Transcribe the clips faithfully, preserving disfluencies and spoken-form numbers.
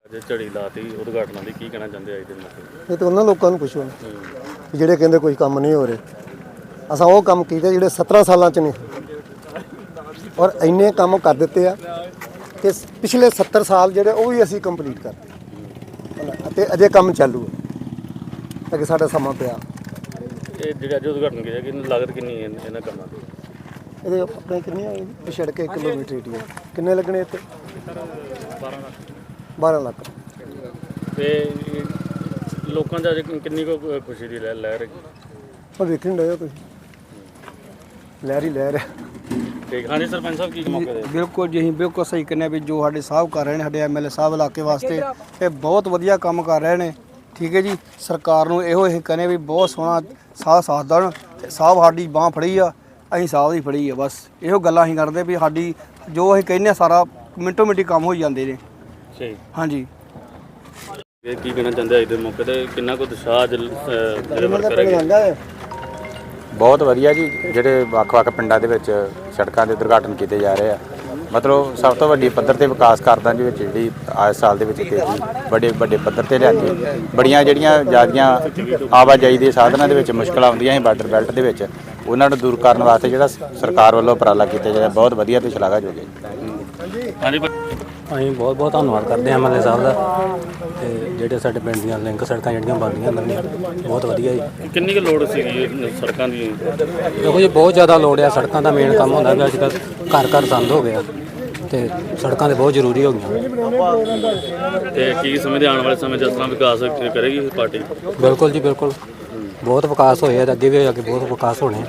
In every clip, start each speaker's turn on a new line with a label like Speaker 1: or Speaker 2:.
Speaker 1: ਜੇ ਝੜੀ ਲਾਤੀ ਉਦਘਾਟਨਾਂ ਦੀ ਕੀ ਕਹਿਣਾ ਚਾਹੁੰਦੇ ਅੱਜ ਦੇ ਮੌਕੇ
Speaker 2: ਇਹ ਤਾਂ ਉਹਨਾਂ ਲੋਕਾਂ ਨੂੰ ਪੁੱਛੋ ਕਿ ਜਿਹੜੇ ਕਹਿੰਦੇ ਕੋਈ ਕੰਮ ਨਹੀਂ ਹੋ ਰਹੇ। ਅਸਾਂ ਉਹ ਕੰਮ ਕੀਤੇ ਜਿਹੜੇ ਸत्रह ਸਾਲਾਂ 'ਚ ਨਹੀਂ, ਔਰ ਇੰਨੇ ਕੰਮ ਕਰ ਦਿੱਤੇ ਆ ਕਿ ਪਿਛਲੇ सत्तर ਸਾਲ ਜਿਹੜੇ ਉਹ ਵੀ ਅਸੀਂ ਕੰਪਲੀਟ ਕਰਤੇ ਅਤੇ ਅਜੇ ਕੰਮ ਚਾਲੂ ਹੈ ਅੱਗੇ ਸਾਡਾ ਸਮਾਂ ਪਿਆ।
Speaker 1: ਇਹ ਜਿਹੜੇ ਅੱਜ ਉਦਘਾਟਨ ਕੀਤਾ ਕਿ ਲਾਗਤ ਕਿੰਨੀ ਹੈ ਇਹਨਾਂ ਕੰਮਾਂ ਦੀ?
Speaker 2: ਇਹਦੇ ਆਪਣੇ ਕਿੰਨੇ ਆ ਇਹ ਸੜਕ ਇੱਕ ਕਿਲੋਮੀਟਰ ਏਰੀਆ ਕਿੰਨੇ ਲੱਗਣੇ ਇੱਥੇ?
Speaker 1: ਬਾਰਾਂ ਲੱਖ
Speaker 2: ਬਾਰਾਂ ਲੱਖ।
Speaker 1: ਤੇ ਲੋਕਾਂ ਦਾ ਅੱਜ ਕਿੰਨੀ ਕੁ ਖੁਸ਼ੀ ਦੀ ਲਹਿ ਲਹਿਰ ਹੈਗੀ?
Speaker 2: ਉਹ ਵੇਖਣ ਡਏ ਹੋ ਤੁਸੀਂ, ਲਹਿਰ ਹੀ ਲਹਿਰ ਹੈ।
Speaker 1: ਠੀਕ ਹਾਂਜੀ ਸਰਪੰਚ ਸਾਹਿਬ ਕੀ ਮੌਕੇ ਦੇ?
Speaker 3: ਬਿਲਕੁਲ ਜੀ ਅਸੀਂ ਬਿਲਕੁਲ ਸਹੀ ਕਹਿੰਦੇ ਵੀ ਜੋ ਸਾਡੇ ਸਾਹਿਬ ਕਰ ਰਹੇ ਨੇ, ਸਾਡੇ ਐਮਐਲਏ ਸਾਹਿਬ ਇਲਾਕੇ ਵਾਸਤੇ ਇਹ ਬਹੁਤ ਵਧੀਆ ਕੰਮ ਕਰ ਰਹੇ ਨੇ। ਠੀਕ ਹੈ ਜੀ, ਸਰਕਾਰ ਨੂੰ ਇਹੋ ਇਹ ਕਹਿੰਦੇ ਵੀ ਬਹੁਤ ਸੋਹਣਾ ਸਾਥ ਸਾਥ ਦੇਣ। ਸਾਹਿਬ ਸਾਡੀ ਬਾਂਹ ਫੜੀ ਆ, ਅਸੀਂ ਸਾਹਿਬ ਦੀ ਫੜੀ ਆ, ਬਸ ਇਹੋ ਗੱਲਾਂ ਅਸੀਂ ਕਰਦੇ ਵੀ ਸਾਡੀ ਜੋ ਅਸੀਂ ਕਹਿੰਦੇ ਸਾਰਾ ਮਿੰਟੋ ਮਿੰਟੀ ਕੰਮ ਹੋ ਜਾਂਦੇ ਨੇ।
Speaker 1: ਠੀਕ
Speaker 3: ਹਾਂਜੀ
Speaker 1: ਇਹ ਕੀ ਕਹਿਣਾ ਚਾਹੁੰਦੇ ਅੱਜ ਦੇ ਮੌਕੇ ਤੇ ਕਿੰਨਾ ਕੁ ਉਤਸ਼ਾਹ ਜਿਹੜੇ ਵਰਕਰ ਹੈਗੇ?
Speaker 4: ਬਹੁਤ ਵਧੀਆ ਜੀ, ਜਿਹੜੇ ਵੱਖ-ਵੱਖ ਪਿੰਡਾਂ ਦੇ ਵਿੱਚ ਸੜਕਾਂ ਦੇ ਉਦਘਾਟਨ ਕੀਤੇ ਜਾ ਰਹੇ ਆ। ਮਤਲਬ ਸਭ ਤੋਂ ਵੱਡੀ ਪੱਧਰ ਤੇ ਵਿਕਾਸ ਕਰਦਾ ਦੇ ਵਿੱਚ ਜਿਹੜੀ ਅੱਜ ਸਾਲ ਦੇ ਵਿੱਚ ਤੇਜ਼ੀ ਵੱਡੇ ਵੱਡੇ ਪੱਧਰ ਤੇ ਲਿਆਂਦੀ। ਬੜੀਆਂ ਜਿਹੜੀਆਂ ਜ਼ਿਆਦੀਆਂ ਆਵਾਜਾਈ ਦੇ ਸਾਧਨਾਂ ਦੇ ਵਿੱਚ ਮੁਸ਼ਕਲਾਂ ਆਉਂਦੀਆਂ ਸੀ ਬਾਰਡਰ ਬੈਲਟ ਦੇ ਵਿੱਚ, ਉਹਨਾਂ ਨੂੰ ਦੂਰ ਕਰਨ ਵਾਸਤੇ ਜਿਹੜਾ ਸਰਕਾਰ ਵੱਲੋਂ ਉਪਰਾਲਾ ਕੀਤਾ ਜਾ ਰਿਹਾ ਬਹੁਤ ਵਧੀਆ ਤੇ ਸ਼ਲਾਘਾਯੋਗ ਹੈ।
Speaker 1: ਹਾਂਜੀ
Speaker 5: ਅਸੀਂ ਬਹੁਤ ਬਹੁਤ ਧੰਨਵਾਦ ਕਰਦੇ ਹਾਂ ਐਮਐਲਏ ਸਾਹਿਬ ਦਾ, ਤੇ ਜਿਹੜੇ ਸਾਡੇ ਪਿੰਡ ਦੀਆਂ ਲਿੰਕ ਸੜਕਾਂ ਜਿਹੜੀਆਂ ਬਣਦੀਆਂ ਨਵੀਆਂ ਬਹੁਤ ਵਧੀਆ ਜੀ।
Speaker 1: ਕਿੰਨੀ ਕੁ ਲੋੜ ਸੀਗੀ ਸੜਕਾਂ ਦੀ?
Speaker 5: ਦੇਖੋ ਜੀ ਬਹੁਤ ਜ਼ਿਆਦਾ ਲੋੜ ਆ ਸੜਕਾਂ ਦਾ। ਮੇਨ ਕੰਮ ਹੁੰਦਾ ਵੀ ਅੱਜ ਕੱਲ੍ਹ ਘਰ ਘਰ ਸੰਦ ਹੋ ਗਿਆ ਤੇ ਸੜਕਾਂ ਦੇ ਬਹੁਤ ਜ਼ਰੂਰੀ ਹੋ ਗਈਆਂ।
Speaker 1: ਤੇ ਕੀ ਸਮਝਦੇ ਆਉਣ ਵਾਲੇ ਸਮੇਂ 'ਚ ਇਸ ਤਰ੍ਹਾਂ ਵਿਕਾਸ ਕਰੇਗੀ ਪਾਰਟੀ?
Speaker 5: ਬਿਲਕੁਲ ਜੀ ਬਿਲਕੁਲ, ਬਹੁਤ ਵਿਕਾਸ ਹੋਇਆ ਤੇ ਅੱਗੇ ਵੀ ਅੱਗੇ ਬਹੁਤ ਵਿਕਾਸ ਹੋਣੇ।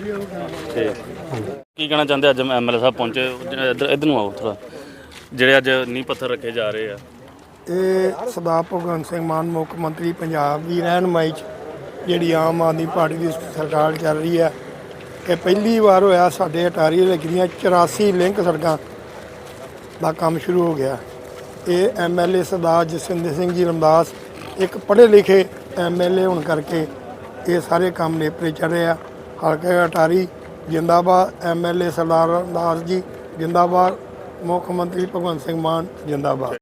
Speaker 1: ਕੀ ਕਹਿਣਾ ਚਾਹੁੰਦੇ ਅੱਜ ਐਮਐਲਏ ਸਾਹਿਬ ਪਹੁੰਚੇ? ਇੱਧਰ ਇੱਧਰ ਨੂੰ ਆਓ ਥੋੜ੍ਹਾ। ਜਿਹੜੇ ਅੱਜ ਨੀਂਹ ਪੱਥਰ ਰੱਖੇ ਜਾ ਰਹੇ ਆ,
Speaker 6: ਇਹ ਸਰਦਾਰ ਭਗਵੰਤ ਸਿੰਘ ਮਾਨ ਮੁੱਖ ਮੰਤਰੀ ਪੰਜਾਬ ਦੀ ਰਹਿਨੁਮਾਈ 'ਚ ਜਿਹੜੀ ਆਮ ਆਦਮੀ ਪਾਰਟੀ ਦੀ ਸਰਕਾਰ ਚੱਲ ਰਹੀ ਹੈ, ਇਹ ਪਹਿਲੀ ਵਾਰ ਹੋਇਆ ਸਾਡੇ ਅਟਾਰੀ ਹਲਕੇ ਦੀਆਂ ਚੁਰਾਸੀ ਲਿੰਕ ਸੜਕਾਂ ਦਾ ਕੰਮ ਸ਼ੁਰੂ ਹੋ ਗਿਆ। ਇਹ M L A Sardar Jaswinder Singh ji Ramdas ਇੱਕ ਪੜ੍ਹੇ ਲਿਖੇ ਐਮ ਐਲ ਏ ਹੋਣ ਕਰਕੇ ਇਹ ਸਾਰੇ ਕੰਮ ਨੇਪਰੇ ਚੜ੍ਹ ਰਹੇ ਆ। ਹਲਕੇ ਅਟਾਰੀ ਜਿੰਦਾਬਾਦ, M L A Sardar Ramdas ji ਜਿੰਦਾਬਾਦ, ਮੁੱਖ ਮੰਤਰੀ ਭਗਵੰਤ ਸਿੰਘ ਮਾਨ ਜਿੰਦਾਬਾਦ।